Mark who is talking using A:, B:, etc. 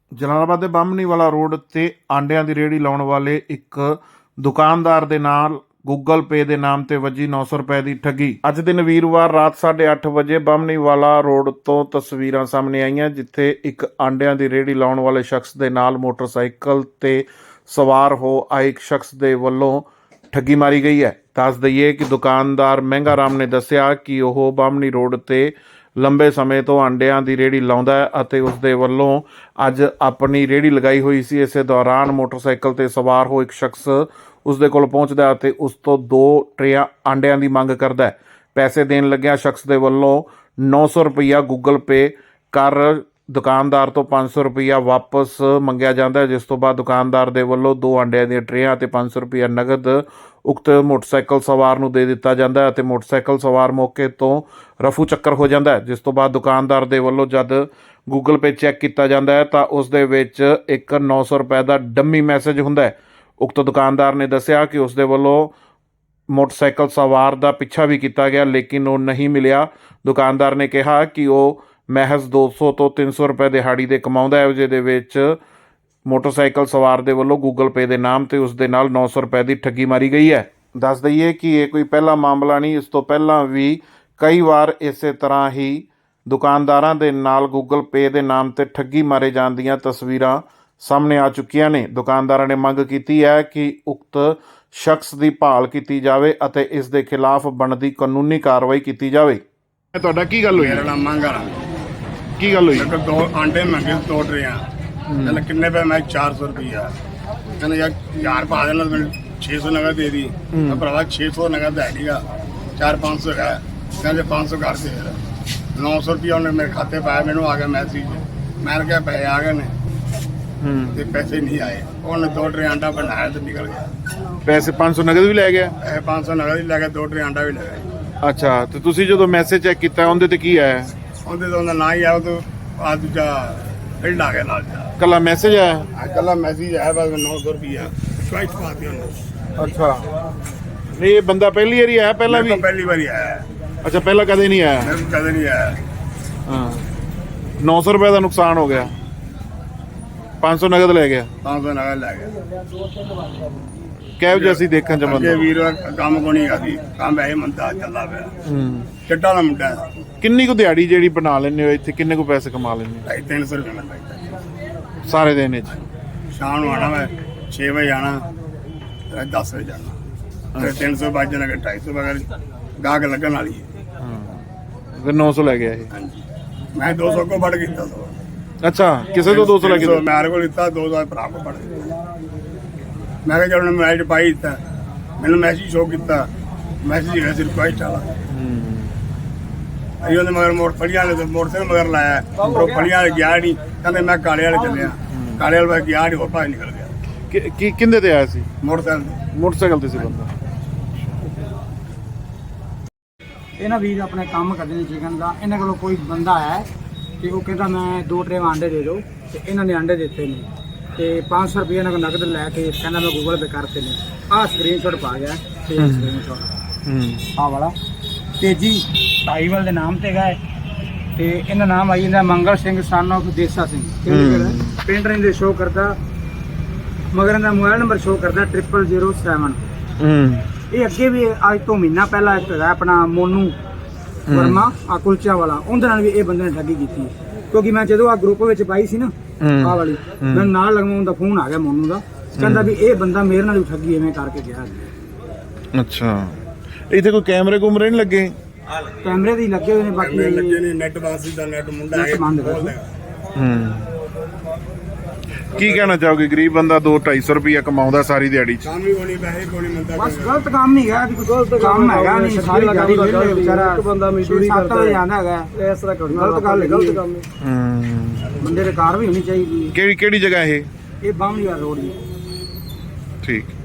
A: ਜਲਾਲਾਬਾਦ ਦੇ ਬਾਹਮਣੀ ਵਾਲਾ ਰੋਡ ਤੇ ਆਂਡਿਆਂ ਦੀ ਰੇਹੜੀ ਲਾਉਣ ਵਾਲੇ ਇੱਕ ਦੁਕਾਨਦਾਰ ਦੇ ਨਾਲ ਗੂਗਲ ਪੇ ਦੇ ਨਾਮ ਤੇ ਵੱਜੀ 900 ਰੁਪਏ ਦੀ ਠੱਗੀ। ਅੱਜ ਦਿਨ ਵੀਰਵਾਰ ਰਾਤ 8:30 ਵਜੇ ਬਾਹਮਣੀ ਵਾਲਾ ਰੋਡ ਤੋਂ ਤਸਵੀਰਾਂ ਸਾਹਮਣੇ ਆਈਆਂ, ਜਿੱਥੇ ਇੱਕ ਆਂਡਿਆਂ ਦੀ ਰੇਹੜੀ ਲਾਉਣ ਵਾਲੇ ਸ਼ਖਸ ਦੇ ਨਾਲ ਮੋਟਰਸਾਈਕਲ ਤੇ ਸਵਾਰ ਹੋ ਆਏ ਇੱਕ ਸ਼ਖਸ ਦੇ ਵੱਲੋਂ ਠੱਗੀ ਮਾਰੀ ਗਈ ਹੈ। ਦੱਸ ਦਈਏ ਕਿ ਦੁਕਾਨਦਾਰ ਮਹਿੰਗਾ ਰਾਮ ਨੇ ਦੱਸਿਆ ਕਿ ਉਹ ਬਾਹਮਣੀ ਰੋਡ ਤੇ ਲੰਬੇ ਸਮੇਂ ਤੋਂ ਆਂਡਿਆਂ ਦੀ ਰੇਹੜੀ ਲਾਉਂਦਾ ਹੈ ਅਤੇ ਉਸ ਦੇ ਵੱਲੋਂ ਅੱਜ ਆਪਣੀ ਰੇਹੜੀ ਲਗਾਈ ਹੋਈ ਸੀ। ਇਸੇ ਦੌਰਾਨ ਮੋਟਰਸਾਈਕਲ ਤੇ ਸਵਾਰ ਹੋ ਇੱਕ ਸ਼ਖਸ ਉਸ ਦੇ ਕੋਲ ਪਹੁੰਚਦਾ ਅਤੇ ਉਸ ਤੋਂ 2 ਟਰੇਆਂ ਆਂਡਿਆਂ ਦੀ ਮੰਗ ਕਰਦਾ ਹੈ। ਪੈਸੇ ਦੇਣ ਲੱਗਿਆ ਸ਼ਖਸ ਦੇ ਵੱਲੋਂ 900 ਰੁਪਈਆ ਗੂਗਲ ਪੇ ਕਰ ਦੁਕਾਨਦਾਰ ਤੋਂ 500 ਰੁਪਈਆ ਵਾਪਸ ਮੰਗਿਆ ਜਾਂਦਾ ਹੈ, ਜਿਸ ਤੋਂ ਬਾਅਦ ਦੁਕਾਨਦਾਰ ਦੇ ਵੱਲੋਂ 2 ਆਂਡਿਆਂ ਦੀਆਂ ਟਰੇਆਂ ਅਤੇ 500 ਰੁਪਈਆ ਨਗਦ ਉਕਤ ਮੋਟਰਸਾਈਕਲ ਸਵਾਰ ਨੂੰ ਦੇ ਦਿੱਤਾ ਜਾਂਦਾ ਹੈ ਅਤੇ ਮੋਟਰਸਾਈਕਲ ਸਵਾਰ ਮੌਕੇ ਤੋਂ ਰਫੂ ਚੱਕਰ ਹੋ ਜਾਂਦਾ ਹੈ। ਜਿਸ ਤੋਂ ਬਾਅਦ ਦੁਕਾਨਦਾਰ ਦੇ ਵੱਲੋਂ ਜਦ ਗੂਗਲ ਪੇ ਚੈੱਕ ਕੀਤਾ ਜਾਂਦਾ ਹੈ ਤਾਂ ਉਸ ਦੇ ਵਿੱਚ ਇੱਕ 900 ਰੁਪਏ ਦਾ ਡੰਮੀ ਮੈਸੇਜ ਹੁੰਦਾ ਹੈ। ਉਕਤ ਦੁਕਾਨਦਾਰ ਨੇ ਦੱਸਿਆ ਕਿ ਉਸ ਦੇ ਵੱਲੋਂ ਮੋਟਰਸਾਈਕਲ ਸਵਾਰ ਦਾ ਪਿੱਛਾ ਵੀ ਕੀਤਾ ਗਿਆ, ਲੇਕਿਨ ਉਹ ਨਹੀਂ ਮਿਲਿਆ। ਦੁਕਾਨਦਾਰ ਨੇ ਕਿਹਾ ਕਿ ਉਹ ਮਹਿਜ਼ 200 ਤੋਂ 300 ਰੁਪਏ ਦਿਹਾੜੀ ਦੇ ਕਮਾਉਂਦਾ ਹੈ, ਜਿਹਦੇ ਵਿੱਚ ਮੋਟਰਸਾਈਕਲ ਸਵਾਰ ਦੇ ਵੱਲੋਂ ਗੂਗਲ ਪੇ ਦੇ ਨਾਮ ਤੇ ਉਸ ਦੇ ਨਾਲ 900 ਰੁਪਏ ਦੀ ਠੱਗੀ ਮਾਰੀ ਗਈ ਹੈ। ਦੱਸ ਦਈਏ ਕਿ ਇਹ ਕੋਈ ਪਹਿਲਾ ਮਾਮਲਾ ਨਹੀਂ, ਇਸ ਤੋਂ ਪਹਿਲਾਂ ਵੀ ਕਈ ਵਾਰ ਇਸੇ ਤਰ੍ਹਾਂ ਹੀ ਦੁਕਾਨਦਾਰਾਂ ਦੇ ਨਾਲ ਗੂਗਲ ਪੇ ਦੇ ਨਾਮ ਤੇ ਠੱਗੀ ਮਾਰੇ ਜਾਣ ਦੀਆਂ ਤਸਵੀਰਾਂ ਸਾਹਮਣੇ ਆ ਚੁੱਕੀਆਂ ਨੇ। ਦੁਕਾਨਦਾਰਾਂ ਨੇ ਮੰਗ ਕੀਤੀ ਹੈ ਕਿ ਉਕਤ ਸ਼ਖਸ ਦੀ ਭਾਲ ਕੀਤੀ ਜਾਵੇ ਅਤੇ ਇਸ ਦੇ ਖਿਲਾਫ ਬਣਦੀ ਕਾਨੂੰਨੀ ਕਾਰਵਾਈ ਕੀਤੀ ਜਾਵੇ। ਤੁਹਾਡਾ ਕੀ ਗੱਲ ਹੋਈ?
B: ਮੇਰਾ ਨਾਮ ਮੰਗਾ ਰਾਮ।
A: ਕੀ ਗੱਲ ਹੋਈ?
B: ਇੱਕ 2 ਆਂਡੇ ਮੰਗੇ 2 ਟਰੇਆਂ। ਕਹਿੰਦਾ ਕਿੰਨੇ ਪਏ? ਮੈਂ 400 ਰੁਪਈਆ। ਕਹਿੰਦਾ ਯਾਰ 1000 ਪਾ ਦੇਣਾ, ਮੈਨੂੰ 600 ਨਗਦ ਦੇ ਦੀ। ਮੈਂ ਭਰਾਵਾ 600 ਨਗਦ ਹੈ ਨਹੀਂਗਾ, 400-500 ਹੈ। ਕਹਿੰਦੇ 500 ਕਰ ਦੇ। 900 ਰੁਪਈਆ ਉਹਨੇ ਮੇਰੇ ਖਾਤੇ ਪਾਇਆ, ਮੈਨੂੰ ਆ ਗਿਆ ਮੈਸੇਜ। ਮੈਂ ਕਿਹਾ ਪੈਸੇ ਆ ਗਏ ਨੇ ਤੇ ਪੈਸੇ ਨਹੀਂ ਆਏ। ਉਹਨੇ 2 ਟਰੇ ਆਂਡਾ ਬਣਾਇਆ ਤੇ ਨਿਕਲ ਗਿਆ।
A: ਪੈਸੇ 500 ਨਗਦ ਵੀ ਲੈ ਗਿਆ?
B: 500 ਨਗਦ ਵੀ ਲੈ ਗਿਆ, 2 ਟਰੇ ਆਂਡਾ ਵੀ ਲੈ ਗਿਆ।
A: ਅੱਛਾ, ਤੇ ਤੁਸੀਂ ਜਦੋਂ ਮੈਸੇਜ ਚੈੱਕ ਕੀਤਾ ਉਹਦੇ ਤੇ ਕੀ ਆਇਆ?
B: ਉਹਦੇ ਤੋਂ ਉਹਦਾ ਨਾ ਹੀ ਆਇਆ, ਉਹ ਆ ਦੂਜਾ ਬਿੱਲ ਆ ਗਿਆ ਨਾਲ।
A: ਕੱਲਾ ਮੈਸੇਜ ਆਇਆ?
B: ਕੱਲਾ ਮੈਸੇਜ ਆਇਆ, ਬਸ 900 ਰੁਪਈਆ ਚੁਆਇਸ ਪਾਤੀ ਉਹਨੇ।
A: ਅੱਛਾ, ਨਹੀਂ ਇਹ ਬੰਦਾ ਪਹਿਲੀ ਵਾਰੀ ਆਇਆ? ਪਹਿਲਾਂ ਵੀ
B: ਪਹਿਲੀ ਵਾਰੀ ਆਇਆ।
A: ਅੱਛਾ, ਪਹਿਲਾਂ ਕਦੇ ਨਹੀਂ ਆਇਆ?
B: ਮੈਂ ਕਦੇ ਨਹੀਂ ਆਇਆ।
A: ਹਾਂ, 900 ਰੁਪਏ ਦਾ ਨੁਕਸਾਨ ਹੋ ਗਿਆ, 500 ਨਗਦ ਲੈ ਗਿਆ।
B: 500 ਨਗਦ ਲੈ ਗਿਆ।
A: ਕਿਹੋ ਜਿਹਾ ਸੀ ਦੇਖਣ ਚ
B: ਅੱਗੇ
A: ਬੰਦਾ?
B: ਵੀਰ ਕੰਮ ਕੋ ਨਹੀਂ ਕਰਦੀ, ਕੰਮ ਐ ਮੰਦਾ ਚੱਲਦਾ ਪਿਆ। ਚੱਟਾ ਦਾ ਮੁੰਡਾ ਹੈ।
A: ਕਿੰਨੀ ਕੁ ਦਿਹਾੜੀ ਜਿਹੜੀ ਬਣਾ ਲੈਂਦੇ ਹੋ ਇੱਥੇ, ਕਿੰਨੇ ਕੁ ਪੈਸੇ ਕਮਾ ਲੈਂਦੇ ਹੋ
B: 300 ਰੁਪਏ ਮਿਲਦਾ
A: ਸਾਰੇ ਦਿਨ ਵਿੱਚ?
B: ਸ਼ਾਮ ਨੂੰ ਆਣਾ, ਮੈਂ 6 ਵਜੇ ਆਣਾ, 10 ਵਜੇ ਜਾਣਾ। ਫਿਰ 300 ਵੱਜ ਜਾਣਾ, 250 ਵਗੈਰਾ ਗਾਹਕ ਲੱਗਣ ਵਾਲੀ ਹੈ।
A: ਹਾਂ, ਫਿਰ 900 ਲੈ ਗਿਆ ਇਹ?
B: ਹਾਂਜੀ, ਮੈਂ 200 ਕੋ ਵੱਢ ਕੀਤਾ ਸੋ।
A: ਅੱਛਾ, ਕਿਸੇ ਤੋਂ 200 ਲੈ ਕੇ?
B: ਮੇਰੇ ਕੋਲ ਲਿੱਤਾ 200 ਭਰਾ ਕੋ ਵੱਢ ਕੀਤਾ। ਮੈਂ ਕਿਹਾ ਜਦੋਂ ਮੈਚ ਪਾਈ ਦਿੱਤਾ, ਮੈਨੂੰ ਮੈਸੇਜ ਸ਼ੋ ਕੀਤਾ, ਮੈਸੇਜ ਹੈਗਾ ਸਿਰਫ ਰਿਕੁਐਸਟ ਵਾਲਾ। ਅਸੀਂ ਉਹਦੇ ਮਗਰ ਫੜੀਆਂ ਵਾਲੇ ਮੋਟਰਸਾਈਕਲ ਮਗਰ ਲਾਇਆ, ਉਹ ਫੜੀਆਂ ਵਾਲੇ ਗਿਆ ਨਹੀਂ। ਕਹਿੰਦੇ ਮੈਂ ਕਾਲੇ ਵਾਲੇ ਚੱਲਿਆ, ਕਾਲੇ ਵਾਲੇ ਗਿਆ ਨਹੀਂ, ਹੋਰ ਭਾਈ ਨਿਕਲ ਗਿਆ।
A: ਕੀ ਕਿੰਦੇ ਤੇ ਆਇਆ ਸੀ?
B: ਮੋਟਰਸਾਈਕਲ ਤੇ।
A: ਮੋਟਰਸਾਈਕਲ ਤੇ ਸੀ ਬੰਦਾ।
C: ਇਹਨਾਂ ਵੀਰ ਆਪਣੇ ਕੰਮ ਕਰਦੇ ਨੇ ਚਿਕਨ ਦਾ। ਇਹਨਾਂ ਕੋਲੋਂ ਕੋਈ ਬੰਦਾ ਹੈ ਤੇ ਉਹ ਕਹਿੰਦਾ ਮੈਂ 2 ਟਰੇ ਆਂਡੇ ਦੇ ਦਿਓ, ਤੇ ਇਹਨਾਂ ਨੇ ਆਂਡੇ ਦਿੱਤੇ ਨੇ ਤੇ 500 ਰੁਪਏ ਇਹਨਾਂ ਕੋਲ ਨਗਦ ਲੈ ਕੇ ਕਹਿੰਦਾ ਮੈਂ ਗੂਗਲ ਪੇ ਕਰਤੇ ਨੇ। ਆਹ ਸਕਰੀਨਸ਼ਾਟ ਪਾ ਗਿਆ ਤੇ ਸਕਰੀਨਸ਼ਾਟ ਆਹ ਵਾਲਾ ਤੇਜੀ ਢਾਈਵਾਲ ਦੇ ਨਾਮ ਤੇ ਗਏ ਤੇ ਇਹਦਾ ਨਾਮ ਆਈ ਜਾਂਦਾ ਮੰਗਲ ਸਿੰਘ ਸਨ ਆਫ ਦੇਸਾ ਸਿੰਘ। ਪਿੰਡ ਰਹਿੰਦੇ ਸ਼ੋ ਕਰਦਾ, ਮਗਰ ਇਹਦਾ ਮੋਬਾਈਲ ਨੰਬਰ ਸ਼ੋ ਕਰਦਾ 0007। ਇਹ ਅੱਗੇ ਵੀ ਅੱਜ ਤੋਂ ਮਹੀਨਾ ਪਹਿਲਾਂ ਇੱਕ ਹੈਗਾ ਆਪਣਾ ਮੋਨੂ ਵਰਮਾ ਆ ਕੁਲਚਾ ਵਾਲਾ, ਉਹਦੇ ਨਾਲ ਵੀ ਇਹ ਬੰਦੇ ਨੇ ਠੱਗੀ ਕੀਤੀ। ਕਿਉਂਕਿ ਮੈਂ ਜਦੋਂ ਆ ਗਰੁੱਪ ਵਿੱਚ ਪਾਈ ਸੀ ਨਾ ਆਹ ਵਾਲੀ, ਮੈਨੂੰ ਨਾਲ ਲਗਵਾਉਣ ਦਾ ਫੋਨ ਆ ਗਿਆ ਮੋਨੂ ਦਾ, ਕਹਿੰਦਾ ਵੀ ਇਹ ਬੰਦਾ ਮੇਰੇ ਨਾਲ ਵੀ ਠੱਗੀ ਐਵੇਂ ਕਰਕੇ ਗਿਆ।
A: ਅੱਛਾ, ਇੱਥੇ ਕੋਈ ਕੈਮਰੇ ਕੁਮਰੇ ਨਹੀਂ ਲੱਗੇ?
C: ਕੈਮਰੇ ਦੀ ਲੱਗੇ ਹੋਏ ਨੇ, ਬਾਕੀ
B: ਲੱਗੇ ਨੇ। ਨੈਟ ਬਾਸ ਦਾ ਨੈਟ ਮੁੰਡਾ ਹੈ।
A: ਕੀ ਕਹਿਣਾ ਚਾਹੋਗੇ? ਗਰੀਬ ਬੰਦਾ 200-250 ਰੁਪਇਆ ਕਮਾਉਂਦਾ ਸਾਰੀ ਦਿਹਾੜੀ ਚ।
B: ਕੰਮ ਹੀ ਕੋਣੀ, ਪੈਸੇ ਕੋਣੀ ਮਿਲਦਾ।
C: ਬਸ ਗਲਤ ਕੰਮ ਹੀ ਹੈ, ਕੋਈ ਗਲਤ ਕੰਮ ਹੈਗਾ ਨਹੀਂ। ਸਾਰੀ ਦਿਹਾੜੀ ਵਿਹਲੇ ਵਿਚਾਰਾ ਇੱਕ ਬੰਦਾ ਮਜ਼ਦੂਰੀ ਕਰਦਾ ਹੈਗਾ, ਇਸ ਤਰ੍ਹਾਂ ਗਲਤ ਗੱਲ ਹੈ, ਗਲਤ ਕੰਮ ਹੈ। ਬੰਦੇ ਦੇ ਕਾਰ ਵੀ ਹੋਣੀ ਚਾਹੀਦੀ ਹੈ।
A: ਕਿਹੜੀ ਜਗ੍ਹਾ ਇਹ?
C: ਇਹ ਬਾਹਮਣੀ ਰੋਡ ਜੀ।
A: ਠੀਕ।